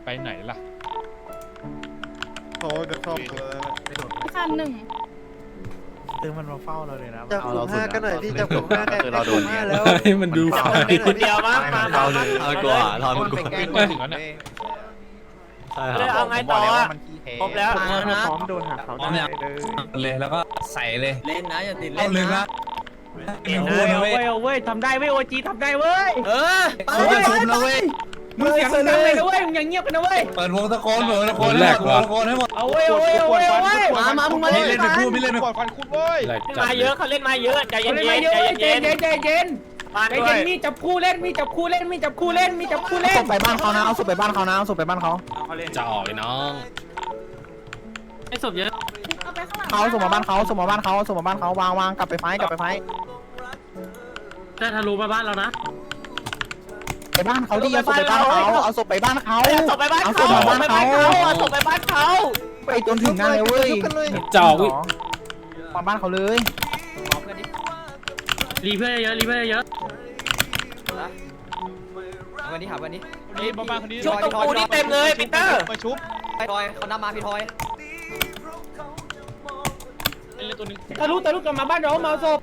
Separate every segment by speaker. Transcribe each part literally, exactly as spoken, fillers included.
Speaker 1: ไปไหนล่ะ
Speaker 2: เขาจะเข้าตัวแล้ว
Speaker 3: คันหนึ่ง
Speaker 4: คือมันมาเฝ้าเราเลยนะ
Speaker 2: จับผมห้ากันหน่อยพี่จับผมห้ากัน
Speaker 4: คือเราโดนเนี่ย
Speaker 2: แล้ว
Speaker 5: มันดู
Speaker 6: จับผมเป็นคนเดียวมั้งมา
Speaker 4: เราเลย
Speaker 6: เอากว่าเรา
Speaker 2: มันไปแกล้ง
Speaker 1: มาถึงแล้วเนี่ย
Speaker 6: เลยเอาไงต่ออะครบแล้ว
Speaker 4: พร้อมโดนหักเขาได้เลย
Speaker 7: เลยแล้วก็ใส่เลย
Speaker 6: เล่นนะอย่าติด
Speaker 7: เอา
Speaker 6: เล่น
Speaker 7: เลย
Speaker 6: นะ
Speaker 7: นะเอ็นพูดนะเว้ย
Speaker 4: เว้ยทำได้เว้ยโอจีทำได้เว้ย
Speaker 6: เออ
Speaker 7: เขาจะชุบนะเว้ย
Speaker 4: มึงเสียงดังเลยนะเว้ยมึงอย่างเงียบกันนะเว้ย
Speaker 7: เปิดวงตะโกนเปิดตะโกนให้หมดตะโกนให้หมด
Speaker 4: เอาเว้ยเอาเว้ยเอาเว้ยเอาเว้ย
Speaker 6: มามามึงมา
Speaker 7: ไม่
Speaker 6: เล่น
Speaker 7: เล่นไปพูดไม่เล่นไป
Speaker 1: ปล่อยฟันคุณเว้ย
Speaker 5: แหลก
Speaker 6: เล่น
Speaker 5: จัด
Speaker 6: มาเยอะเขาเล่นมาเยอะใจเย็น
Speaker 4: เล่น
Speaker 6: ๆ
Speaker 4: มาเยอะ
Speaker 6: ใจ
Speaker 4: ใจ
Speaker 6: เย็น
Speaker 4: เย็นใจเย็น
Speaker 6: ๆบ้าน
Speaker 4: ใจ
Speaker 6: ด้ว
Speaker 4: เย็
Speaker 6: ย
Speaker 4: นมีจับคู่เล่นมีจับคู่เล่นมีจับคู่เล่นมีจับคู่เล่น
Speaker 8: ไปบ้านเขานะเอาศพไปบ้านเขานะเอาศพไปบ้านเขา
Speaker 5: จะออกไอ้น้อง
Speaker 6: ไอ้ศพเยอะ
Speaker 3: เอาไปข้างหลัง
Speaker 8: เขาส่งมาบ้านเขาส่งมาบ้านเขาส่งมาบ้านเขาวางวางกลับไปไฟกลับไปไฟ
Speaker 6: จะทะลุมาบ้านเรานะ
Speaker 8: ไปบ้านเขาดิเอาศพไปบ้านเขาเอาศพไปบ้านเขา
Speaker 6: เอาศพไปบ้านเขาเอาศพไปบ้านเขาเอาศพไปบ้านเขา
Speaker 8: ไปจนถึงนั่นเลยเว้ย
Speaker 5: จะออกวิ
Speaker 8: มาบ้านเขาเลย
Speaker 6: รีเพื่อนเยอะรีเพื่อนเยอะ
Speaker 9: วันนี้หาวันนี้
Speaker 1: นี่บ้านคนนี้
Speaker 6: ชุบตรงกูนี่เต็มเลยปีเตอร์
Speaker 1: มาชุบ
Speaker 9: พี่ทอยเขานำมาพี่ทอย
Speaker 1: เล่นตัวนึง
Speaker 4: ทะลุทะลุกลับมาบ้านเรามาศพ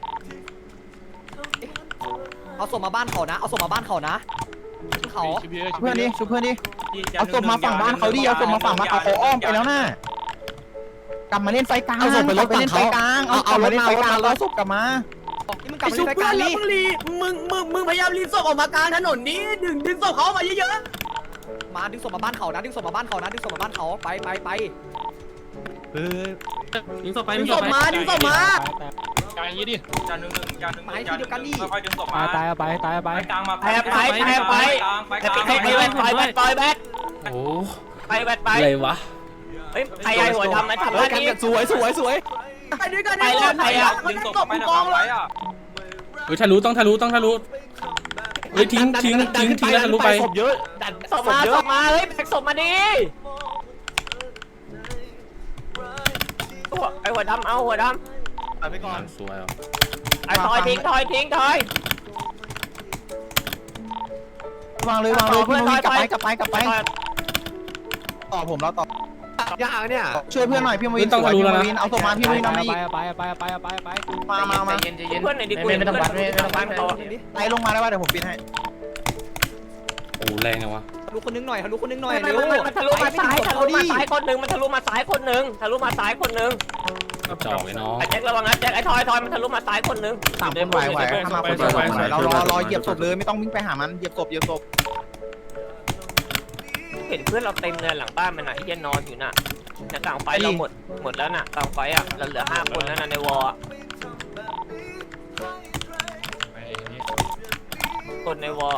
Speaker 9: เอาส่งมาบ้านเขานะ เอาส่งมาบ้านเขานะเขา
Speaker 1: ชุบเยอะชุบ
Speaker 8: เพื่อน
Speaker 1: เย
Speaker 8: ดิ
Speaker 1: อะ
Speaker 8: ชุบเพื่อนดิเอาศพมาฝั่งบ้านเขาดิเอาศพมาฝั่งบ้านเขาเขาอ้อมไปแล้วน่ะกลับมาเล่นไฟกลางเอาศพไปรถไปเล่นไฟกลางเอาเอาเล่นไฟกลางแล้วศพกลับมา
Speaker 9: นี่มึงกลับมาเล่นรายการนี้
Speaker 6: มึงมึงมึงพยายามรีบศพออกมากลางถนนนี้ดึงดึงศพเขามาเยอะ
Speaker 9: มาดึงส่งมาบ้านเขานะดึงส่งมาบ้านเขานะดึงส่งมาบ้านเขาไปไปไป
Speaker 6: ๆดึงศพไปดึงศพมาดึงศพมา
Speaker 1: กลางอย่างนี้ดิ
Speaker 7: จานหนึ่งหนึ่งจานหนึ่ง
Speaker 9: ไปที่เดียวกันดิ
Speaker 7: ค่อยๆดึงศพ
Speaker 8: ตาย
Speaker 7: มา
Speaker 8: ตายไปตายไป
Speaker 7: กลางมา
Speaker 6: ไปไปไปไป
Speaker 7: ไปกลาง
Speaker 6: ไปไปไปไปไปไป
Speaker 5: โอ้
Speaker 6: ไปไปไป
Speaker 5: อะไรวะ
Speaker 6: เฮ้ยใครไอ้หัวทำมาทำบ้านนี้
Speaker 9: สวยสวยสวย
Speaker 6: ไปด้วยกันไปแล้วใครอ่ะ
Speaker 7: ดึงศพไปนะกองเลย
Speaker 5: เฮ้ยทะลุต้องทะลุต้องทะลุเฮ้ยทิ้งทิ้งทิ้งทิ้งแล้วทะลุไป
Speaker 9: ศพเยอะดัน
Speaker 6: ศพมาศพมาเฮ้ยแบกศพมาดิไอ้หัวดำเอาหัวดำ
Speaker 1: ไปก่อน
Speaker 5: สวยอ่ะ
Speaker 6: ไอ้ทอยทิ้งทอยทิ้งทอยว
Speaker 8: างเลยวางเลยพี่นุ้ยกลับไปกลับไปกลับไปต่อผมแล้วต่อย
Speaker 9: ากเนี่ย
Speaker 8: ช่วยเพื่อนหน่อยพี่วินสวยพี่วินเอาศพมาพี่วินเอามาอีก
Speaker 4: ไปไปไปไปไป
Speaker 8: มามามา
Speaker 6: เพื่อนไหนดีกูไม่ต้องวัดไม่ต้องวัดเขา
Speaker 8: ไล่ลงมาได้ป่ะเดี๋ยวผมปิดให้
Speaker 5: โอ้แรงจังวะ
Speaker 9: ทะลุคนนึงหน่อยทะลุคนนึงหน่อย
Speaker 6: มัน
Speaker 9: เร็ว
Speaker 6: มันทะลุมาซ้ายทะลุมาซ้ายคนหนึ่งมันทะลุมาซ้ายคนหนึ่งทะลุมาซ้ายคนหนึ่ง
Speaker 5: จะออกไอ้น้อง
Speaker 6: ไอ้แจ็คระวังนะแจ็คไอ้ทอยทอยมันทะลุมาซ้ายคนหนึ่ง
Speaker 8: สามคนไหวไหวถ้ามาคนเดียวไหวเรารอรอเหยียบศพเลยไม่ต้องวิ่งไปหามันเหยียบศพเหยียบศพ
Speaker 6: เห็นเพื่อนเราเต็มเลยหลังบ้านมันน่ะไอ้เหี้ยนอนอยู่น่ะในกลางไฟเราหมดหมดแล้วน่ะกลางไฟอ่ะเราเหลือห้าคนแล้วนะในวอล
Speaker 1: ไปนี่
Speaker 6: คนในวอล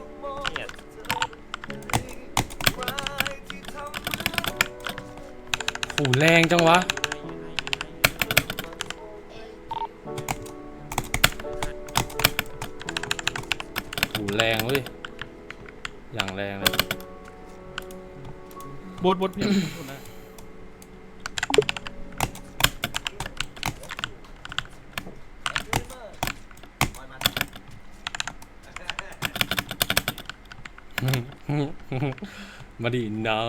Speaker 5: โอ้แรงจังวะโอ้แรงเว้ยอย่างแรงเลย
Speaker 1: บดบดพี่นะ
Speaker 5: มาดิน้อง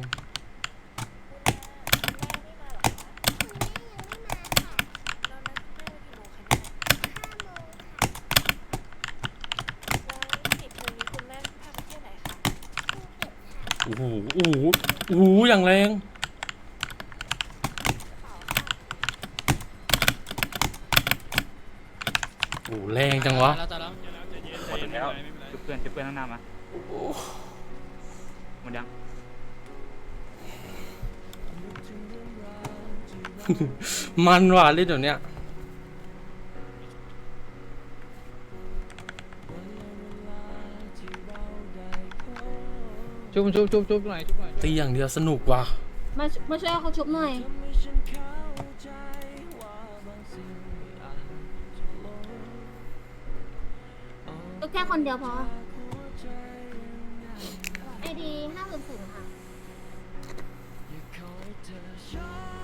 Speaker 5: โอ้โหโอ้โหโอ้โหอย่างแรงโอ้แรงจังวะ
Speaker 1: หมดแล้ว
Speaker 4: จุบเพื่อนจุบเพื่อนข้างหน้ามาหมดยัง
Speaker 5: มันว่ะเล่นเดี๋ยวเนี้ย
Speaker 4: จุบจุบจุบจุบหน่อยจุบหน่อย
Speaker 5: ตีอย่างเดียวสนุกว่ะ
Speaker 3: มามาช่วยเขาชุบหน่อยก็แค่คนเดียวพอไอดีห้าศูนย์ศูนย์ค่ะ